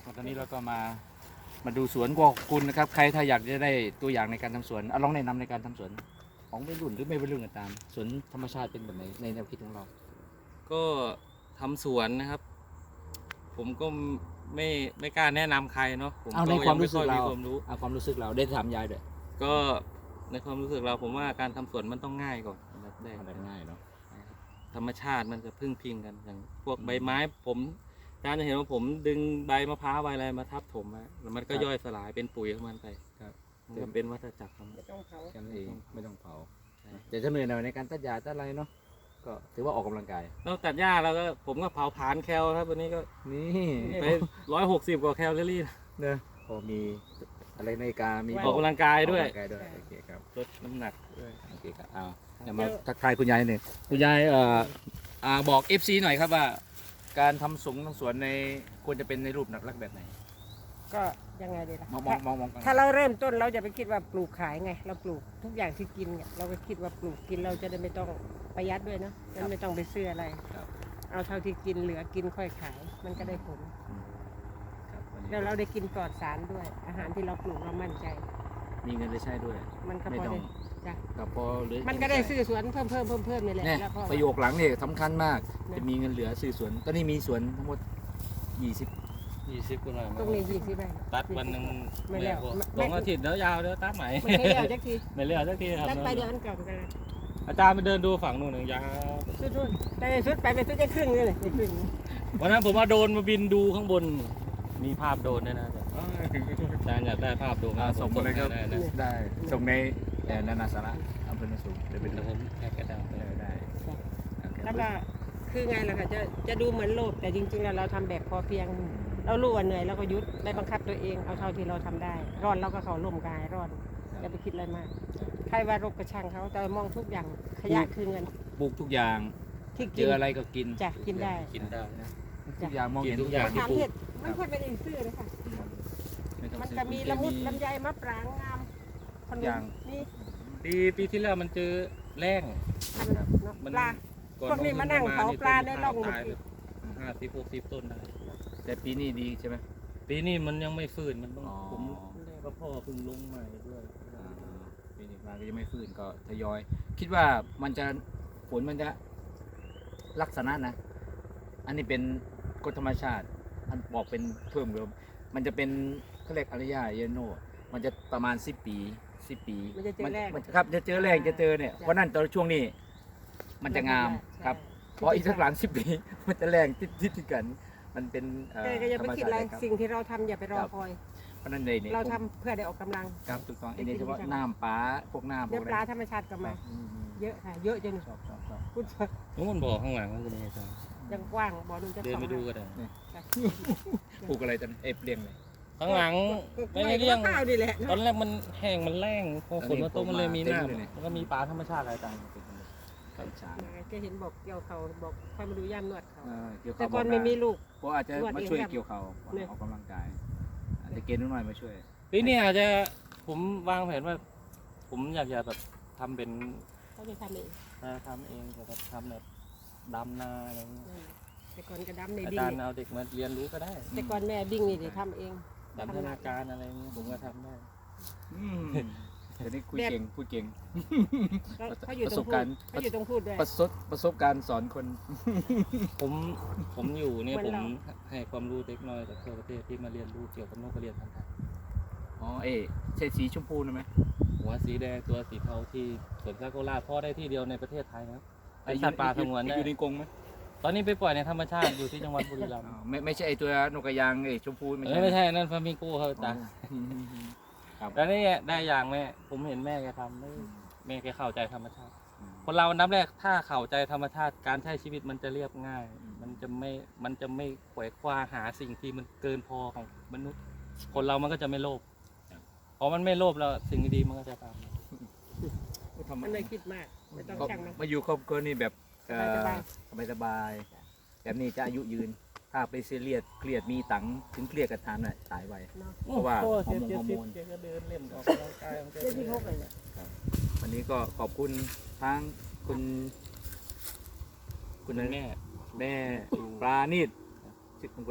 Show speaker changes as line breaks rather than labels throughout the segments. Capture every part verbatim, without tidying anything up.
ตอนนี้เราก็มามาดูสวนของคุณนะครับใครถ้าอยากจะได้ตัวอย่างในการทำสวนเอาลองแนะนำในการทำสวนของไม่รุ่นหรือไม่เป็นรุ่นก็ตามสวนธรรมชาติเป็นแบบไหนในแนวคิดของเรา
ก็ทำสวนนะครับ ผมก็ไม่ไม่กล้าแนะนำใครเนาะผม
เอาใน
ก็
ความ
ยัง
รู้สึก
ไอย
เรา
มีความรู้
เอาความรู้สึกเราได้ถามยายด้วย
ก็ในความรู้สึกเราผมว่าการทำสวนมันต้องง่ายก่อนอันดับแรก
ทำได้ง่ายเนาะ
ธรรมชาติมันจะพึ่งพิงกันอย่างพวก
อืม
ใบไม้ผมอาจารย์จะเห็นว่าผมดึงใบมะพร้าวใบอะไรมาทับถมไว้แล้วมันก็
ครับ
ย่อยสลายเป็นปุ๋ยของมันไป
ครับ
มันก็เป็นวัฏจักรของมัน
ไม่ต้องเผา
กันเองไม่ต้องเผา
ใช่
แต่จะเหนื่อยหน่อยในการตัดหญ้าตัดอะไรเนาะก็ถือว่าออกกำลังกาย
นอกจากหญ้าแล้วก็ผมก็เผาผลาญแคลครับวันนี้ก็
นี่
ไปร้อยหกสิบกว่าแคลอรี่
เนอะพอมีอะไรในการมี
ออกกำลังกายด้วย
ออกกำลังกายด้วยโอเคครับ
ลดน้ำหนักด้วย
โอเคครับเอาเดี๋ยวมาทักทายคุณยายหนึ่งคุณยายเอ่ออ่าบอก เอฟ ซี หน่อยครับว่า การทำสวนทำสวนในควรจะเป็นในรูปหนักลักแบบไหน
ก็ยังไงดีล่ะ
มองมองมองมองกัน
ถ้าเราเริ่มต้นเราจะไปคิดว่าปลูกขายไง เราปลูกทุกอย่างที่กินเนี่ยเราก็คิดว่าปลูกกินเราจะได้ไม่ต้องประหยัดด้วยเนาะมันไม่ต้องไปซื้ออะไร
ครับ
เอาเท่าที่กินเหลือกินค่อยขาย มันก็ได้ผล
ครับวันนี้
แล้วเราได้กินปลอดสารด้วย อาหารที่เราปลูกเรามั่นใจ
มีเงินได้ใช้ด้วย
มันก็
ไม่
พอ
ต้อง
ได้จ้ะ
กับพอเหลือ
มันก็ได้ซื้อสวนเพิ่มเพิ่มเพิ่มเพิ่มนี่แหละ
เนี่ย
แล้วก็
ประโยคหลังเนี่ยสำคัญมาก
นะ
จะมีเงินเหลือซื้อสวนตอนนี้มีสวนทั้งหมดยี่สิบ
ยี่สิบกว่าหน่อย
ตรงนี้ยี่สิบไร่
ตัดวันหนึ่ง
ไม่แล้ว
พอ
ไม่
สองอาทิตย์แล้วยาวเดี๋ยวตัดใหม่
ไม่ใช่เดียวจักที
ไม่เลี้ยวสักทีครับ
ตัดไปเดี๋ยวอันเก่ากัน
อาจารย์ไปเดินดูฝั่งนู้นหนึ่งยาว
สุดๆแต่ในสุดไปเป็นสุดจะครึ่งเลยเลยครึ่ง
วันนั้นผมมาโดนมาบินดูข้างบน มีภาพโดนด้วยนะอาจารย์อาจารย์อยากได้ภาพโดน
อ่าส่งมาเลยครับ
ได้ได้
ได้ส่งในเอ่อนานาสาระอำเภอนาสูงเดี๋ยวไป
เดี๋
ดู
ยวผมแพ็กกระดาษไป
ได้ได้โอเค
แล้วก็คือไงล่ะค่ะจะจะดูเหมือนโลภแต่จริงๆแล้วเราทำแบบพอเพียง เรารู้ว่าเหนื่อยเราก็หยุดได้บังคับตัวเองเอาเท่าที่เราทำได้ร้อนเราก็เขาล่มกายร้อนอย่าไปคิดอะไรมากใครว่าโรคกระช่างเขาแต่มองทุกอย่างขยะคือเงิน
ปลูกทุกอย่าง
ที่
เจ
กิน
ออะไรก็กิน
จะกินได้
กินได้นะ
ทุกอย่างมองเห็น
กินทุกอย่าง
ถามเห็ดมันควรเป็นอีซื้อเลยค่ะ
ไต้อง
มัน
ซื้อ
จะมีละมุด
เค
ลำไยมะปรางงามขน
อย่าง
มนี่
ปีปีที่แล้วมันเจอแรง
มันเนาะ
มัน
ปลา พวกนี้มานั่งเผาปลาในร่อง
ตายเลยห้าสิบหกสิบต้นได้
แต่ปีนี้ดีใช่ไหม
ปีนี้มันยังไม่ฟื้นมันต้อง
อ๋อ
ผมก็พ่อเพิ่งลงใหม่ด้วย
อ่าปีนี้มาก็ยังไม่ฟื้นก็ทยอย คิดว่ามันจะผลมันจะลักษณะนะ อันนี้เป็นกฎธรรมชาติ อันบอกเป็นเพิ่มเติมมันจะเป็นเขาเรียกอารยาเยโนมันจะประมาณสิบปีสิบปี
มันจะเจอแรก
มันครับจะเจอแรงจะเจอเนี่ยเพราะนั่นตอนช่วงนี้ มันจะงามครับเพราะอีกสักหลังสิบปี มันจะแรงติดติดติดกัน มันเป็นเอ่อ
แต่ก็อย่า
ธร
ไป
รม
คิด
ชา
อะไร
ติครับ
สิ่งที่เราทำอย่าไปรอ
ครับ
คอย
เพราะนั่นเลยเนี่ย
เรา
ผม
ทำเพื่อได้ออกกำลัง
ครับถูกต้อง
ได้
อันนี้
กิน
เฉพาะ
วิชา
น้ำปลาพวกน้ำพ
เดี๋
ว
ยว
ก
ปลา
อะไร
ธรรมชาติก็มา
อืม
เยอะค่ะ เยอะจน
ชอบชอบชอบ
พูด
นู้นบ่อข้างหลังนั่นก็มีอาจารย์
ยังกว้างบ่อนุ่นจะ
เดินไปดูก็ได้
ปลูกอะไรจันเอฟเลี้ยงเลย
ข้างหลัง
ไม่
ไม่
ได้
ได้
เลี้
เลี้
ย
ย
ง
ง
ข้าวดีแหละ
ตอนแรกมันแห้งมันแรงพอฝนมาตกมันเลยมี
เต็มเลย
น้ำมันก็มีปลาธรรมชาติอะไรต่าง
กัญชา
แกเห็นบอกเกี่ยวเขาบอกค่อยมาดูย่ามนวดเขา
เออเกี่ยว
แต่
ข้าว
ก่อนไม่มีลูก
เพราะอาจจะ
นวด
มา
เอง
ช่วย
ครับ
เกี่ยวข้าว
เนี่ย
ออกกำลังกายอาจจะเกณฑ์นิดหน่อยมาช่วย
ปีนี้อาจจะผมวางแผนว่า ผมอยากจะแบบทำเป็น
เขาจะทำเอง
นาทำเองแบบทำแบบดำนาอะไรอย่างเงี้ย
อืมแต่ก่อนกระดำใน
อา
ดิ้ง
จารย์
นี่
เอาเด็กมาเรียนรู้ก็ได้
แต่ก่อนแม่ดิ้งนี่เดี๋ยวทำเอง
ดันธนาการอะไรอย่างเงี้ยผมก็ทำได้
อืมเดี๋ยวนี้คุย
แบบ
เก่งพูดเก่ง
แล้วเขาอยู่
ประ
ต
ส
รง
บ
พู
การ
ด
ณ์
เขาอยู่ตรงพูดด้วย
ประสบประสบการณ์สอนคน
ผมผมอยู่เนี่ย
เหมื
ผ
อน
ม
เรา
ให้ความรู้เด็กน้อยจากทั่วประเทศที่มาเรียนรู้เกี่ยวกับนกกระเรียนพันธุ์ไทย
อ๋อเอ๊ะใช่สีชมพูนะไหม
หัวสีแดงตัวสีเทาที่สวนซากุระพ่อได้ที่เดียวในประเทศไทยนะครับเป็นสัตว์ป่าสงวนได้
อยู่ในกรงไหม
ตอนนี้ไปปล่อยในธรรมชาติอยู่ที่จังหวัดบุรีรัมย์
อ๋อไม่ไม่ใช่ไอตัวนกกระยางไอชมพูไม่
เอ้
ใช่
ยไม่ใช่นั่นฟามิงโก้เขาจ้ะ
อืมครับ
แล้วนี่ได้อย่างแม่ผมเห็นแม่แกทำได้แม่แกเข้าใจธรรมชาติ คนเรานับแรกถ้าเข้าใจธรรมชาติการใช้ชีวิตมันจะเรียบง่าย มันจะไม่มันจะไม่ขวายคว้าหาสิ่งที่มันเกินพอของมนุษย์ คนเรามันก็จะไม่โลภพอมันไม่โลภแล้วสิ่งดีๆมันก็จะตามมา
ทำ
มันเลยคิดมากไม่ต้อง
ก็
ช่างมัน
มาอยู่ครอบครัวนี่แบบเอ่อ
สบาย
สบายสบายๆแบบนี้จะอายุยืน ถ้าไปซีเรียสเครียดมีตังค์ถึงเครียดกับทานน่ะตายไว
เนาะ
เพราะว่า
โอ้
ฮอร์โมนฮอร์โมน
เจ็ดสิบเจ็ดสิบแกก็เดินเล่นออกกำลังกายของแก
เรื่องที่พกเลยเนี่ย
วันนี้ก็ขอบคุณทั้งคุณคุณ
คุณแม่
แม่ปลาณีตชื่อคุณอะไรนะ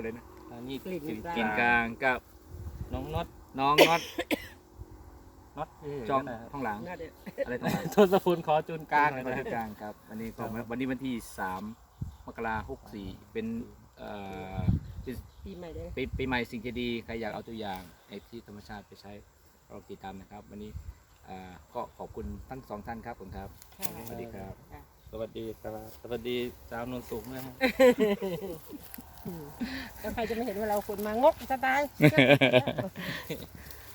อันนี้
กลิ่น
กลิ่น
กลาง
กินกลางกับ
น้องน็อต
น้องน็อต
น็อตเท่
จอง
นะครับ
ข้างหลัง
น่าเด็ด
อะไรต่างๆ
ทศพลขอจูนกลาง
กลาง
นะ
กลางครับวันนี้ก็วันนี้วันที่สามมกราหกสี่เป็นเอ่อ
ปีใหม่เลย
ปีปีใหม่สิ่งที่ดีใครอยากเอาตัวอย่างไอ้ที่ธรรมชาติไปใช้ลองติดตามนะครับ วันนี้อ่าก็ขอบคุณทั้งสองท่านครับผมครับ
ค่ะ
สวัสดีครับ
ค่ะ
สวัสดีครับสวัสดีสาวนนสูงนะฮะ
แล้วใครจะไม่เห็นว่าเราคนมางกสไตล์